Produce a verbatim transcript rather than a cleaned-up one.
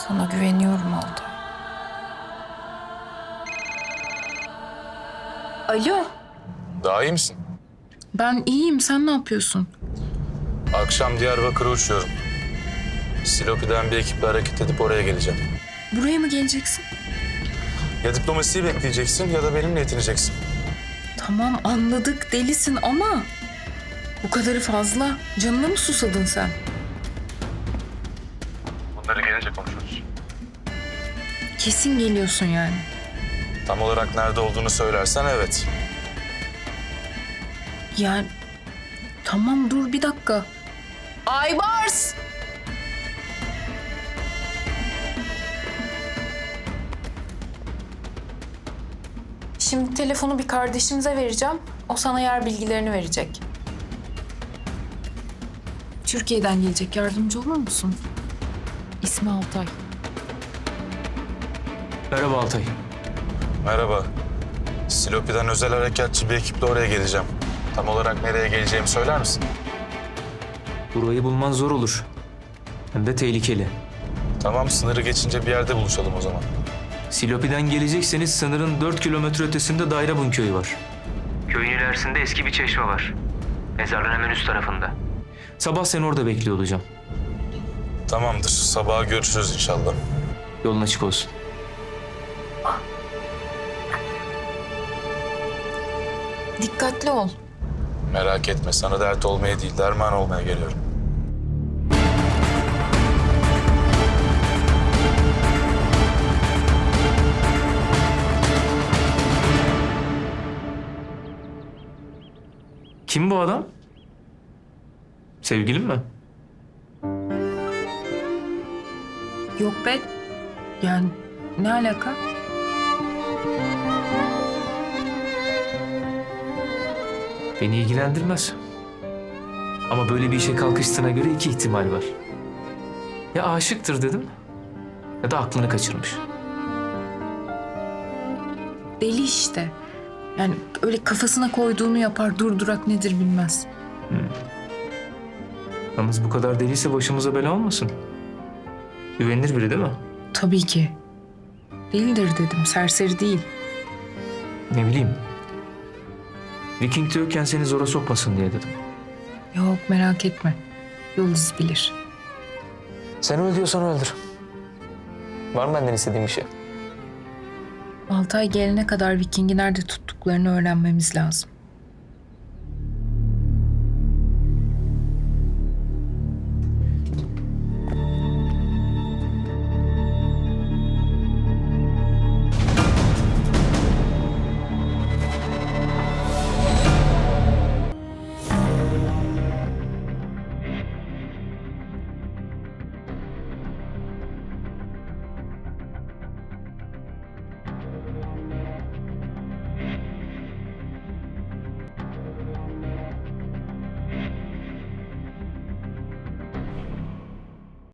Sana güveniyorum Altay. Alo, Daha iyi misin? ben iyiyim. Sen ne yapıyorsun? Akşam Diyarbakır'a uçuyorum. Silopi'den bir ekiple hareket edip oraya geleceğim. Buraya mı geleceksin? Ya diplomasiyi bekleyeceksin ya da benimle yetineceksin. Tamam anladık, delisin ama bu kadarı fazla. Canına mı susadın sen? Bunları gelince konuşuruz. Kesin geliyorsun yani. Tam olarak nerede olduğunu söylersen evet. Yani tamam dur bir dakika. Aybars! Şimdi telefonu bir kardeşimize vereceğim. O sana yer bilgilerini verecek. Türkiye'den gelecek. Yardımcı olur musun? İsmi Altay. Merhaba Altay. Merhaba. Silopi'den özel harekatçı bir ekiple oraya geleceğim. Tam olarak nereye geleceğimi söyler misin? Burayı bulman zor olur. Hem de tehlikeli. Tamam, sınırı geçince bir yerde buluşalım o zaman. Silopi'den gelecekseniz sınırın dört kilometre ötesinde Dairabun köyü var. Köyün ilerisinde eski bir çeşme var. Mezarlığın hemen üst tarafında. Sabah seni orada bekliyor olacağım. Tamamdır. Sabaha görüşürüz inşallah. Yolun açık olsun. Dikkatli ol. Merak etme. Sana dert olmaya değil, derman olmaya geliyorum. Kim bu adam? Sevgilin mi? Yok be. Yani ne alaka? Beni ilgilendirmez. Ama böyle bir işe kalkıştığına göre iki ihtimal var. Ya aşıktır dedim ya da aklını kaçırmış. Deli işte. Yani öyle kafasına koyduğunu yapar, durdurak nedir bilmez. Yalnız bu kadar deliyse başımıza bela olmasın. Güvenilir biri değil mi? Tabii ki. Değildir dedim, serseri değil. Ne bileyim. Viking diyorken seni zora sokmasın diye dedim. Yok merak etme. Yıldız bilir. Sen öl diyorsan öldür. Var mı benden istediğin bir şey? Altay gelene kadar Viking'i nerede tuttuklarını öğrenmemiz lazım.